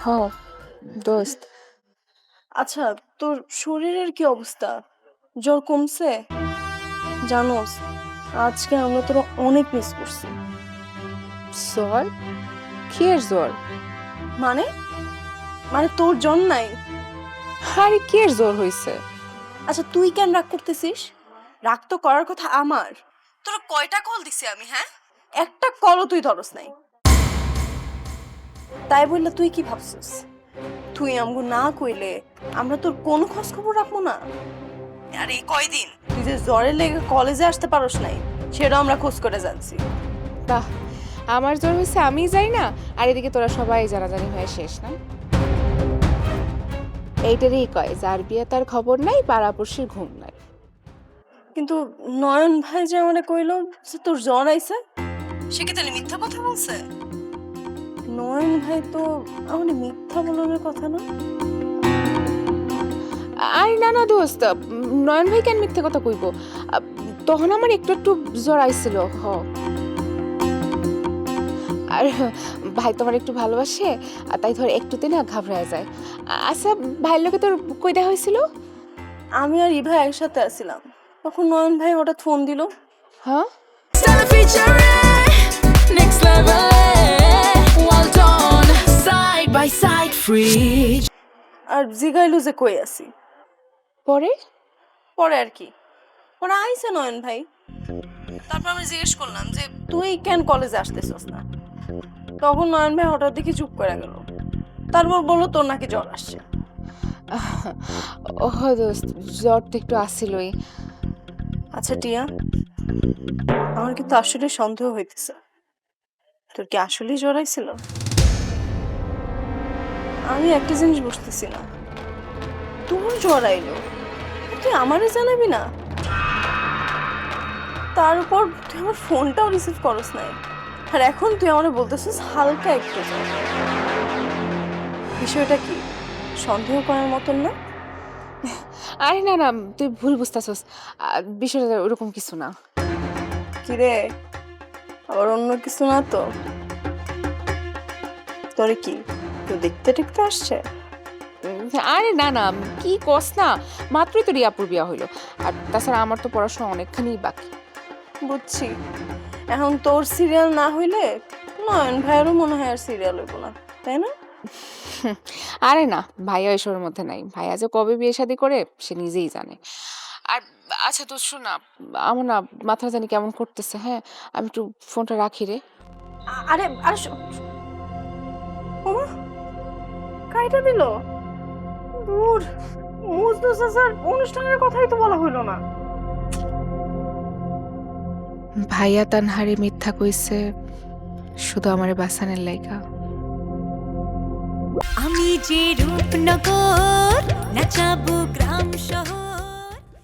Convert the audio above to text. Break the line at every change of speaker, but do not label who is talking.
দোস্ত।
আচ্ছা, তোর শরীরের কি অবস্থা? জ্বর কমছে? জানোস, আজকে আমরা তোরা অনেক মিস করছি।
জ্বর? কিয়ের জ্বর?
মানে মানে তোর জ্বর নাই?
আরে কিয়ের জ্বর হইছে?
আচ্ছা, তুই কেন রাগ করতেছিস? রাগ তো করার কথা আমার। তোরা কয়টা কল দিছি আমি, হ্যাঁ? একটা কলও তুই ধরস নাই। তাই বললে তুই কি ভাবছিস? তুই আমগো না কইলে আমরা তোর কোনো খোঁজ খবর রাখবো না? আর এই কয়দিন তুই যে জ্বরের লেগে কলেজে আসতে পারস নাই, সেটাও আমরা খোঁজ করে জানছি।
বাহ, আমার জ্বর হইছে আমিই যাই না, আর এদিকে তোরা সবাই জানাজানি হয়ে শেষ না। এইটারই কয় যার বিয়ে তার খবর নাই, পাড়াপড়শির ঘুম নাই।
কিন্তু নয়ন ভাই যে আমারে কইলো যে তোর জ্বর আইছে, সে কি তাহলে মিথ্যা কথা বলছে? নয়ন ভাই তো আমারে মিথ্যা বলার কথা না।
আরে না না দোস্ত, নয়ন ভাই কেন মিথ্যে কথা কইব? তখন আমার একটু একটু জ্বর আইছিল। আর ভাই তোমার একটু ভালোবাসে, আর তাই ধর একটুতে না ঘাবড়ায় যায়। আচ্ছা, ভাইয়ের লোকে তোর কই দেখা হয়েছিল?
আমি আর ইভা একসাথে আছিলাম, তখন নয়ন ভাই হঠাৎ ফোন দিল।
হ্যাঁ,
আর জিগাইলো যে কই আছি।
পরে
পরে আর কি, পরে আইছে নয়ন ভাই। তারপর আমি জিজ্ঞেস করলাম যে তুই কেন কলেজে আসতেছস না? তখন নয়ন ভাই হঠাৎ দেখি চুপ করে গেল। তারপর বললো তোর নাকি জ্বর আসছে।
ওহ দোস্ত, জ্বর তো একটু আসছিলই।
আচ্ছা টিয়া, আমার কিন্তু আসলে সন্দেহ হইতেছে, তোর কি আসলেই জ্বর আইছিল? আমি একটা জিনিস বুঝতেছি না, তোর জ্বর আইলো, তুই আমারে জানাবি না? তার উপর তুই আমার ফোনটাও রিসিভ করস নাই, আর এখন তুই আমারে বলতেছিস হালকা একটু জ্বর। বিষয়টা কি সন্দেহ করার মতন না?
আরে না না, তুই ভুল বুঝতেছস, বিষয়টা ওরকম কিছু না।
কিরে, আবার অন্য কিছু না তো? তোরে কি কেউ দেখতে টেকতে আসছে?
আরে না না, কি কস না, মাত্রই তো রিয়াপুর বিয়া হইলো। আর তাছাড়া আমার তো পড়াশোনা অনেকখানি বাকি।
বুঝছি, এখন তোর সিরিয়াল না হইলে নয়ন ভাইয়েরও মনে হয় আর সিরিয়াল হইব না, তাই না?
আরে না, ভাইয়া এসবের মধ্যে নাই। ভাইয়া যে কবে বিয়ে শাদী করে সে নিজেই জানে। আর আচ্ছা তো শোন না, আমার না মাথা জানি কেমন করতেছে। হ্যাঁ, আমি একটু ফোনটা রাখি রে।
আরে আরে ওমা, কাইটা দিল। দূর, মুজদু চাচার অনুষ্ঠানের কথাই তো বলা হইলো না।
ভাইয়া তানহারে মিথ্যা কইছে শুধু আমারে বাঁচানোর লাইগা।
আমি যে রূপনগর নাচাবো গ্রাম শহর।